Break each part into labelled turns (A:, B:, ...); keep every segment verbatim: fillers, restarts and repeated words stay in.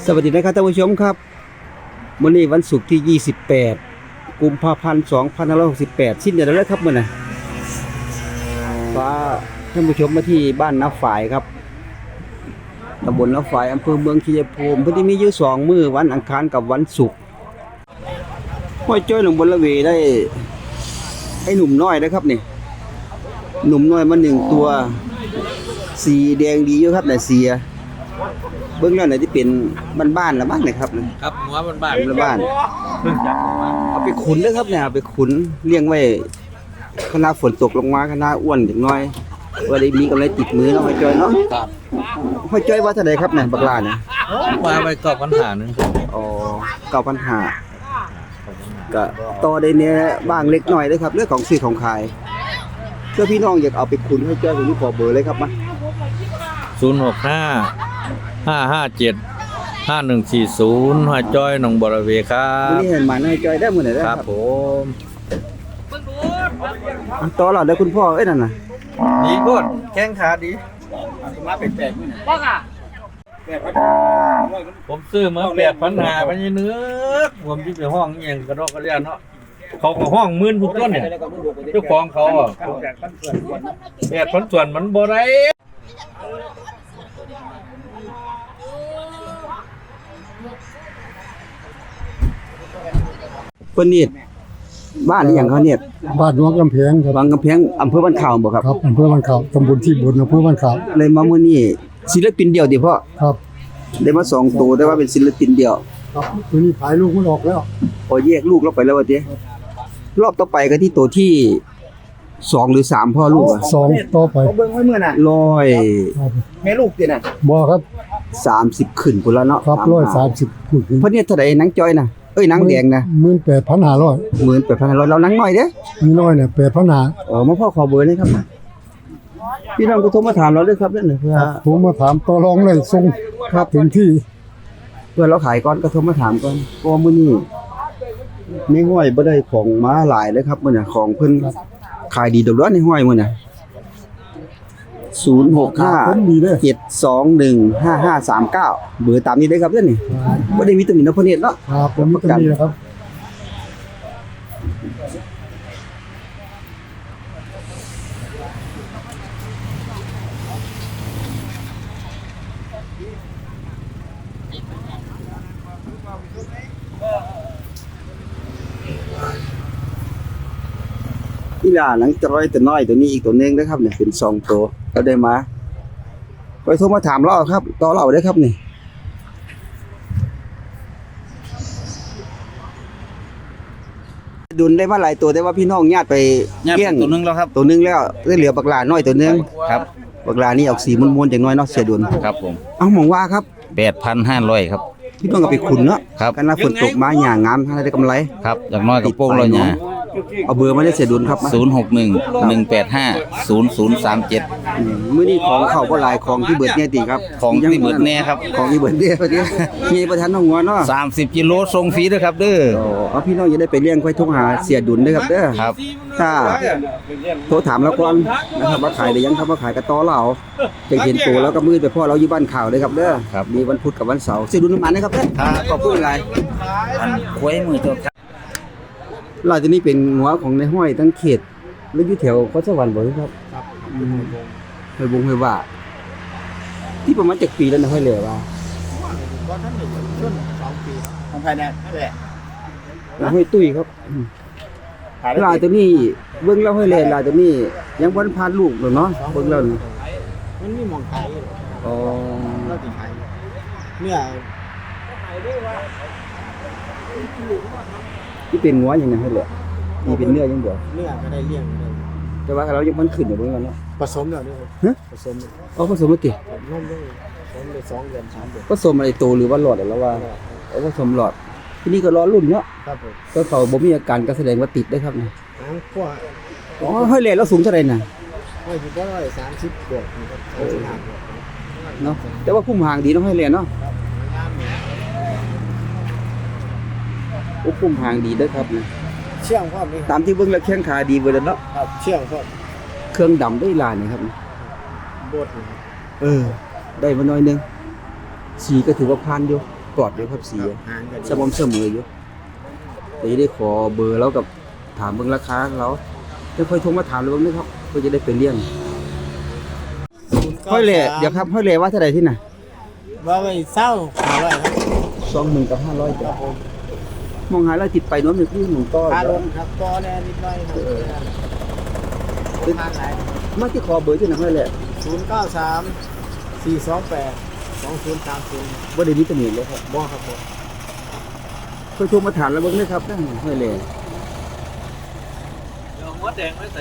A: สวัสดีนะครับท่านผู้ชมครับวันนี้วันศุกร์ที่ยี่สิบแปดกุมภาพันธ์สองพันห้าร้อยหกสิบแปดสิ้นเดือนแล้วครับมื้อนี้ฟ้าท่านผู้ชมมาที่บ้านน้าฝายครับตำบลน้าฝายอำเภอเมืองชัยภูมิเพิ่นสิมีอยู่สองมื้อวันอังคารกับวันศุกร์ห้อยจ้อยหลวงบนละเวได้ไอ้หนุ่มน้อยนะครับนี่หนุ่มน้อยมาหนึ่งตัวสีแดงดีอยู่ครับแต่เสียเบื้องแล้วไหนที่เป็นบ้านๆละบ้านนะครับ
B: ครับหัวบ้าน
A: ละบ้านเอาไปขุนเลยครับเนี่ยเอาไปขุนเลี้ยงไว้คณะฝนตกลงมาคณะอ้วนอย่างน้อยว่าได้มีกำไรติดมือเนาะห้อยจ้อยเนาะ
B: ครับ
A: ห้อยจ้อยว่าเท่าไหร่ครับเนี่ยบักลาเนี่ย
B: มาไปกอบปัญหาหนึ่ง
A: อ๋อเก้าพันห้าก็ต่อได้เนี่ยบ้างเล็กน้อยเลยครับเรื่องของซื้อของขายเพื่อพี่น้องอยากเอาไปขุนห้อยจ้อยผมนี่ขอเบอร์เลยครับมา
B: ศูนย์หกห้าห้าห้าเจ็ดห้าหนึ่งสี่ศูนย์ห้าจอยหนองบริเวครับ
A: นี่เห็นมาห้อยจ้อยได้มื้อไหนได้
B: ครับผม
A: ต่อหลอดได้คุณพ่อเอ้ยนั่นน่ะ
B: ดีโคตรแข้งขาดีมาเป็นแปลกนี่นะบ้าอ่ะผมซื้อมาแปดพันหาพันยี่เนื้อผมที่ไปห้องอย่างกระดอกกระเดียนเนาะเขาก็ห้องหมื่นทุกต้นเนี่ยเจ้าของเขาอ่ะแปดพันส่วนมันบ่ได้
A: เพิ่นนี่บ้านนี่หยังเขาเนี่ย
C: บ้านวังกำแพงครับ
A: วังกำแพงอำเภอบ้านข่าวบ่ครับ
C: ครับอำเภอบ้านข่าวตำบลที่บนอำเภอบ้านข่าว
A: เลยมามื้อนี้ศิลปินเดียวติพ่อ
C: ครับ
A: ได้มาสองตัวแต่ว่าเป็นศิลปินเดียว
C: ครับตัวนี้ขายลูกมันออกแล้ว
A: พอแยกลูกแล้วไปแล้วว่าติรอบต่อไปก็ที่ตัวที่สองหรือสามพ่อลูกอ่ะ
C: สองต่อไป
A: เบิ่งไว้มื้อน่ะร้อยแม่ลูกติน่ะ
C: บ่ครับ
A: สามสิบขึ้นพุ่นแล้วเนาะ
C: ครับหนึ่งร้อยสามสิบขึ้น
A: เพิ่นเนี่ยเท่าใดนางจ้อยน่ะเอ้ยนางแดงนะ
C: หนึ่งหมื่นแปดพันห้าร้อย
A: หนึ่งหมื่นแปดพันห้าร้อยเรานางน้อยเด้
C: มีน้อยเนี่ยแปดพันห้า
A: อ๋อมาพ่อขอเบอร์เลยครับพี่น้องก็โทรมาถามเราด้วยครับนั่นน่ะเพื่อ
C: ผมมาถามต่อรองเลยส่งครับถึงที่
A: เพื่อเราขายก่อนก็โทรมาถามก่อนเพราะมื้อนี้ในห้อยบ่ได้ของมาหลายเลยครับมื้อน่ะของเพิ่นขายดีดอกในห้อยมื้อน่ะศูนย์ หก ห้า เจ็ด สอง หนึ่ง ห้า ห้า สาม เก้าเบอร์ตามนี้ได้ครับเด้อนี่บ่ได้มีตำหนิเนาะพ่อเนตรเนาะ
C: ครับผมมีตำหนินะครับ
A: อีหล่าหลังจอยตัวน้อยตัวนี้อีกตัวนึงนะครับเนี่ยเป็นสองตัวก็ได้มาไปโทรมาถามเราครับต่อเราได้ครับนี่ดุลได้มาหลายตัวแต่ว่าพี่น้องญาติไป
B: เลี้ยงตัวนึงแล้วครับ
A: ตัวนึงแล้วได้เหลือบักหลาน้อยตัวนึง
B: ครับ
A: บักหลานี่ออกสีม่วนๆจังน้อยเนาะเสียดุล
B: ครับผม
A: เอ้าหมองว่าครับ
B: แปดพันห้าร้อย ครับ
A: พี่น้องก็ไปขุนเนาะ
B: ครับ
A: กันฝนตกมาหญ้างามได้กำไร
B: ครับอย่างน้อยก็โป้งแล้วหญ้า
A: เอาเบอร์มาได้เสียดุลครับ
B: ศูนย์ หก หนึ่ง หนึ่ง แปด ห้า ศูนย์ ศูนย์ สาม เจ็ด
A: มื้อนี้ของเข้าบ่หลายของที่เบิดเนี่ยติครับ
B: ของที่เบิดแน่ครับ
A: ของที่เบิดเนี่ยพอดีมีประธานน้องงัวเนาะ
B: สามสิบกิโลส่งฟรีเด้อครับเด้อ
A: อ๋อเอาพี่น้องจะได้ไปเลี้ยงค่อยโทรหาเสียดุลเด้อครับเด้อ
B: ครับ
A: ถ้าโทรถามเราก่อนนะครับว่าขายได้ยังครับว่าขายกระต้อเราจะเห็นโตแล้วก็มืดไปพ่อเราอยู่บ้านข่าวเด้อครับเด้อมีวันพุธกับวันเสาร์เสียดุลมานะครับเด้อขอบคุณหลาย
B: อันควยมือตัวครับ
A: เราจะนี่เป็นหัวของในห้อยทั้งเขตแล้วอยู่แถวพระสวรรค์บ่ครับครับห้อยบงห้อยว่าที่ประมาณเจ็ดปีแล้วนะห้อยเหลือว่า
C: บ่ทันได้ช่วงสองปีของภายในแหละ
A: ห้อยตุ้ยครับลายตัวนี้เบิ่งแล้วห้อยแลลายตัวนี้ยังบ่ทันผ่านลูกหรอกเนาะเบิ่งแล้ว
C: มันมีหม่องขาย
A: อ๋อ
C: เราสิขายเนื้อ
A: ที่เป็นงัวอย่างนั้นให้เหลือนี่เป็นเนื้อยังบ่
C: เนื้อก็ได้เลี้ยงได้
A: แต่ว่าเรายังมันขึ้นอยู่เบิ่งแล้วเนาะ
C: ผสมแล้วนี่
A: ฮะ
C: ผสม
A: อ๋อผสมแล้วติ
C: นมด้วยผสมได้สองเดือนสามเดือน
A: ผสมอะไรโตหรือว่าหลอดแล้วว่าเอาผสมหลอดที่นี่ก็รอรุ่นเนาะ
C: ครับผม
A: ก็เขาบ่มีอาการก็แสดงว่าติดได้ครับนี่
C: อ๋อพวก
A: อ๋อห้อยแลแล้วสูงเท่าใดน่ะ
C: ห้อยสิบ่ร้อยสามสิบบวกนะครับ
A: เนาะแต่ว่าพุ่มหางดีเนาะห้อยแลเนาะโอ้พุ่มหางดีเด้อครับนะ
C: เชื่องพร้อมนี่
A: ตามที่เบิ่งแล้วแข้งขาดีเบิดแล้วเนาะ
C: ครับเชื่องพร้อม
A: เครื่องดำได้ลายนี่ครับ
C: บด
A: เออได้มาหน่อยนึงสีก็ถือว่าผ่านอยู่กรอบอยู่ครับสี
C: หางกัน
A: สม่ำเสมออยู่แต่จะได้ขอเบอร์แล้วกับถามเบิ่งราคาเราจะค่อยโทรมาถามเลยเบิ่งนะครับเพื่อจะได้ไปเลี้ยงห้อยเหล่เดี๋ยวครับห้อยเหล่ว่าเท่าไหร่ที่ไหน
C: ว่าไปเศร้าหาร้อยครับ
A: สองหมื่นกับห้าร้อยจ้ะมองหาแล้วติดไปโน้นหนึ่งที่หนึ่งต้อ
C: ค่ารถครับต่อแน่นิดหน่อยครับเป็นทางไหน
A: มาที่ขอเบอร์ที่ไหนห้อยเหล่
C: ศูนย์เก้าสามสี่สองแปดสองศูนย์สามศูนย์
A: บ่ได้มีตำหนิเลยครับ
C: บ่ครับผม
A: ค่อยโทรมาถามแล้วเบิ่งนะครับได้ห้อยเหล่
B: เดี๋ยวหัวแดงไว้ใส่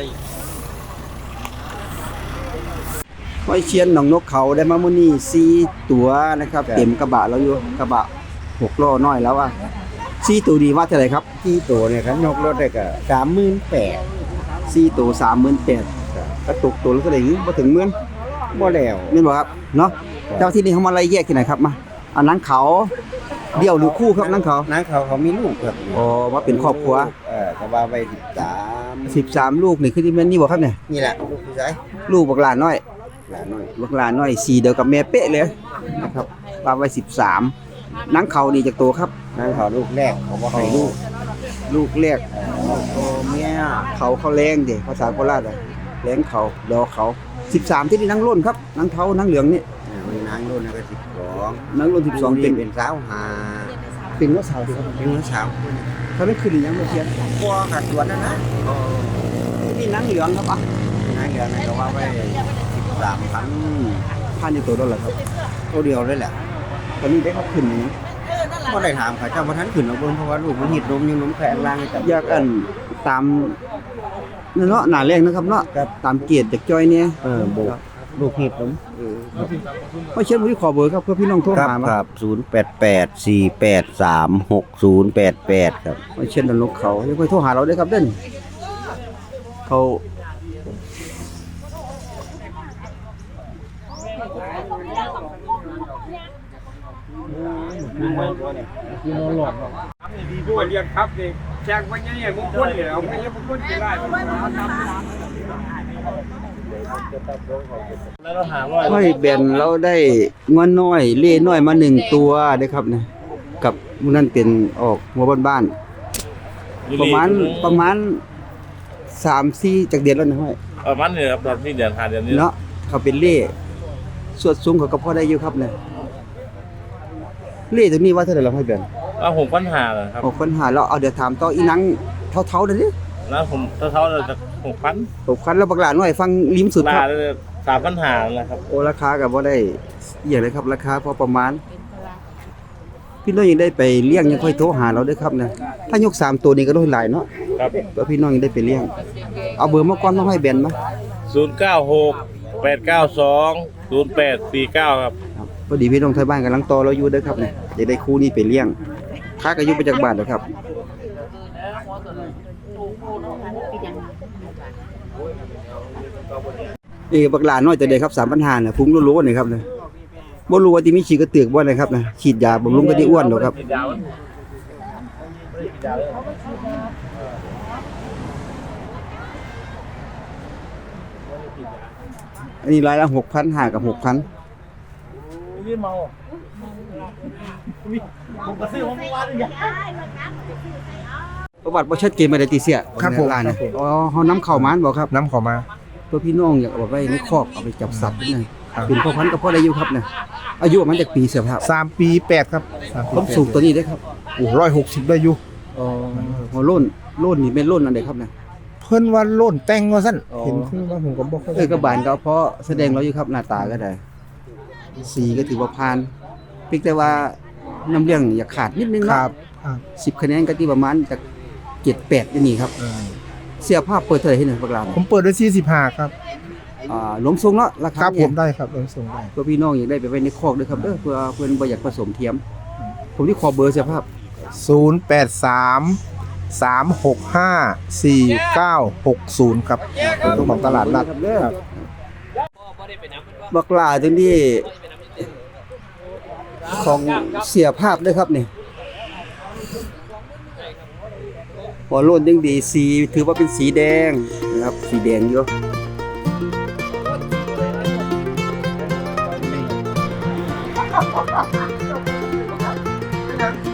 A: ห้อยเชียนหนองนกเขาได้มามื้อนี้สี่ตัวนะครับเต็มกระบะแล้วอยู่กระบะหกล้อน้อยแล้วอ่ะสี่ตัวดีว่าเท่าไหร่ครับ
C: ที่ตัวเนี่ยครับยกรถได้ก็สามหมื่นแปด
A: สี่ตัวสามหมื่นแปดกระตุกตัวแล้วเท่าไหร่บ่ถึงหมื่น
C: บ่แล้ว
A: แม่นบ่ครับเนาะเจ้าที่นี่เขามาไล่แยกที่ไหนครับมาอันนั้นเขาเดี่ยวหรือคู่ครับนั่นเขา
C: นางเขาเขามีลูกครับ
A: อ๋อมาเป็นครอบครัว
C: เออก็ว่าไปสิบสาม
A: สิบสามลูกนี่คือที่แม่นนี่บ่ครับเนี่ย
C: นี่แหละลูกผู้ชาย
A: ลูกบักหลานน้อย
C: หลานน้อย
A: บักหลานน้อยสีเดียวกับแม่เป๊ะเลยนะครับว่าไว้สิบสามนังเขานี่จากตัวครับ
C: นางเขาลูกแรกเขาบ่ให้ลูก
A: ลูกแรก
C: ตัวเมีย
A: เขาเขาแรงเด้ภาษาโคราชอะแรงเขาดอกเขาสิบสามที่นี่นังร่นครับนังเทานังเหลืองนี่
C: อ่ามันนางรุ่นนั้นก็สิบสอง
A: นังร่นสิบสอง
C: เป็
A: เป็น น
C: เป็นสาวหา
A: เป็นว่าสาวดีครับ
C: เป็นหัวสาว
A: เขาไม่ขึ้นหรือยังไม่เทียน
C: พ่อกัดสวนนั่นนะ
A: นี่นังเหลืองครับอ่ะ
C: นางเดียวนั่นก็ว่าไปสิบสามพัน
A: พันอยู่ตัวนั่นแหละครับ
C: ตัวเดียวเลยแหละ
A: ตอนนี้ได้เขาขึ้นหรือยัง
C: ก็ได้ถามเขาเจ้าพระท่านขึ้นเอาเบิ่งเพราะว่าลูกมันหิดนมยังนมแข็งล่างให้จับ
A: อยากอันตามนั่นเนาะหนาแรงนะครับเนาะ
C: ครับ
A: ตามเกียรติจากจ้อยเนี่ย
C: เออโบกลูกหิดนม
A: ไม่เช่นวันนี้ขอเบอร์ครับเพื่อพี่น้องโทร
C: ครับ
A: หามา
C: ครับศูนย์แปดแปดสี่แปดสามหกศูนย์แปดแปดครับ
A: ไม่เช่นดันลกเขายังค่อยโทรหาเราได้ครับเด่นเขา
B: ผู้เรียนครับนี่แจ้งว่าอย่างนี้มงคลเลยเอาไม่ใช่มงคลกี่ไร่แล้วเราหาว่า
A: ห้อยแบนเราได้งอนน้อยเล่น้อยมาหนึ่งตัวได้ครับเนี่ยกับมื้อนั่นเป็นออกหัวบ้านๆประมาณประมาณสามสี่จากเดือนแล้วนะห้อย
D: ประมาณนี้ครับตอนที่เดือนหาเดือนนี้
A: เนาะเขาเป็นเล่สวดสูงเขาก็พอได้อยู่ครับเนี่ยเล่ตัวนี้ว่าเท่าไหร่เราให้แบน
D: ว่าผมปัญหาเหรอครับ
A: หกพันหาเราเอาเดี๋ยวถามต่ออีนังเท่าๆนั่นดิ
D: แล้วผมเท่าๆเลยจากหกพัน
A: หกพันแล้วบักหลาหน่อยฟังริมสุดค
D: ลา
A: รับ
D: เลยสามปัญหาแหละครับ
A: โอ้ราคากับว่าได้อหย่างไรครับราคาพอประมาณ พี่น้องยังได้ไปเลี้ยงยังค่อยโทรหาเราด้วยครับนะถ้ายกสามตัวนี้ก็ได้หลายเนาะ
D: ครับ
A: เพื่อพี่น้องยังได้ไปเลี้ยงเอาเบอร์มาก่อนต้องให้แบนมา
D: ศูนย์เก้าหกแปดเก้าสองศูนย์แปดสี่เก้าครับ
A: ครับพอดีพี่น้องไทยบ้านกำลังต่อเราอยู่เด้อครับเนี่ยจะได้คู่นี้ไปเลี้ยงค่าก็อยู่ประจักษ์บาทเด้อครับเอ้บักหลาน้อยแต่เด็กครับสามพันห้าเนี่ยฟุ้งรู้ๆนี่ครับเนี่ยบ่รู้ว่าที่มีฉีดกระเตือกบ่นะครับนะฉีดยาบำรุงก็ได้อ้วนดอกครับ อันนี้รายละหกพันห้ากับหกพัน
D: นี่เมาผมก็ซื้อผมว่าอย่าง
A: ประวัติบ่ชัดเจนมาได้ติเสีย
C: ครับผม
A: ร้านนะอ๋อเฮานำเข้ามาบ่ครับ
C: น้ำขอมา
A: เพื่อพี่น้องอยากเอาไว้ในคอกเอาไปจับสัตว์นี่
C: ครับ
A: เป็นพ่อพันธุ์กับพ่อได้อยู่ครับเนี่ยอายุมันจากปีเสียครับ
C: สามปีแปดครับสามปี
A: ความสูงตัวนี้ได้ครับ
C: โอ้ร้อยหกสิบได้อยู่
A: อ๋อหัวโล้นโล้นนี่เป็นโล้นอันใดครับเนี่ย
C: เพิ่นว่าโล่นแต่งว่าซั่น
A: อ๋อ
C: เห็นคือว่าผมก็บ่ค่อย
A: เออกระบาลก็เอาเพราะแสดงเราอยู่ครับหน้าตาก็ได้สีก็ถือว่าผ่านเพียงแต่ว่าน้ำเลี้ยงอยากขาดนิดนึง
C: ค
A: เนาะ
C: รับครับ
A: สิบคะแนนก็ที่ประมาณจากเจ็ดแปดนี่ครับ
C: เออ
A: เสียภาพเปิดเท่าไหร่ให้หน่อยบักลา
C: ผมเปิดด้วยสี่สิบห้าครับ
A: อ่าหลวมทรงเนาะรา
C: ค
A: คา
C: รับผ
A: เนี่ย
C: มได้ครับลงส่งได้
A: เพื่อพี่น้องอยากได้ไปไว้ในคอกด้วยครับเด้อเพื่อเพื่อนบ่อยากผสมเทียม ผมที่ขอเบอร์เสียภาพ
C: ศูนย์แปดสาม สามหกห้า สี่เก้าหกศูนย์ครับของตลาดนัด
A: ครับเด้อบักลาตรงนี้ของเสียภาพด้วยครับนี่หัวโล้นยังดีสีถือว่าเป็นสีแดงนะครับสีแดงอยู่
C: ครับ